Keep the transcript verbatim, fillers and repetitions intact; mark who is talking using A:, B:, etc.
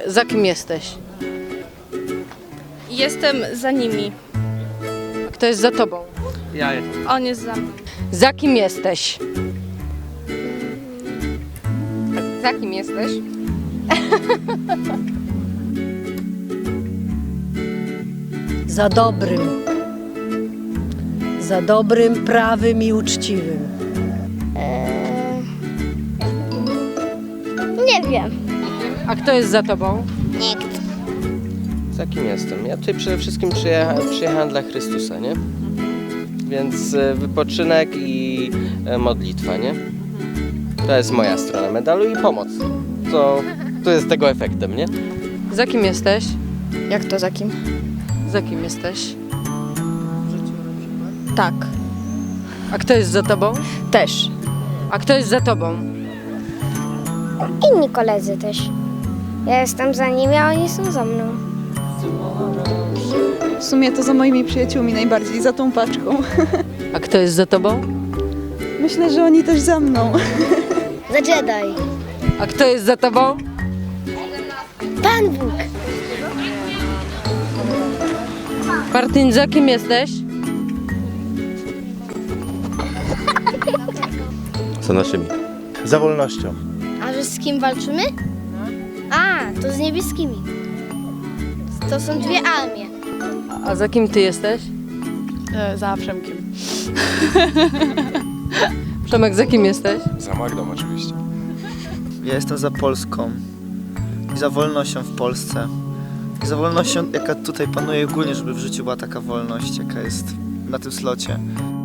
A: Za kim jesteś?
B: Jestem za nimi.
A: A kto jest za tobą?
C: Ja jestem.
B: On jest za mną.
A: Za kim jesteś?
D: Za kim jesteś?
E: Za dobrym. Za dobrym, prawym i uczciwym.
F: Nie wiem.
A: A kto jest za tobą?
F: Nikt.
C: Za kim jestem? Ja tutaj przede wszystkim przyjechałem, przyjechałem dla Chrystusa, nie? Więc e, wypoczynek i e, modlitwa, nie? To jest moja strona medalu i pomoc. To, to jest tego efektem, nie?
A: Za kim jesteś?
D: Jak to za kim?
A: Za kim jesteś?
D: Tak.
A: A kto jest za tobą?
D: Też.
A: A kto jest za tobą?
F: Inni koledzy też. Ja jestem za nimi, a oni są za mną.
G: W sumie to za moimi przyjaciółmi najbardziej, za tą paczką.
A: A kto jest za tobą?
G: Myślę, że oni też za mną.
F: Za Jedi.
A: A kto jest za tobą?
F: Pan Bóg.
A: Martin, za kim jesteś?
H: Za naszymi.
I: Za wolnością.
F: A że z kim walczymy? A, to z niebieskimi. To są dwie armie.
A: A za kim ty jesteś?
B: E, za Przemkiem.
A: Przemek, za kim jesteś?
H: Za Magdą oczywiście.
J: Ja jestem za Polską i za wolnością w Polsce. I za wolnością, jaka tutaj panuje ogólnie, żeby w życiu była taka wolność, jaka jest na tym slocie.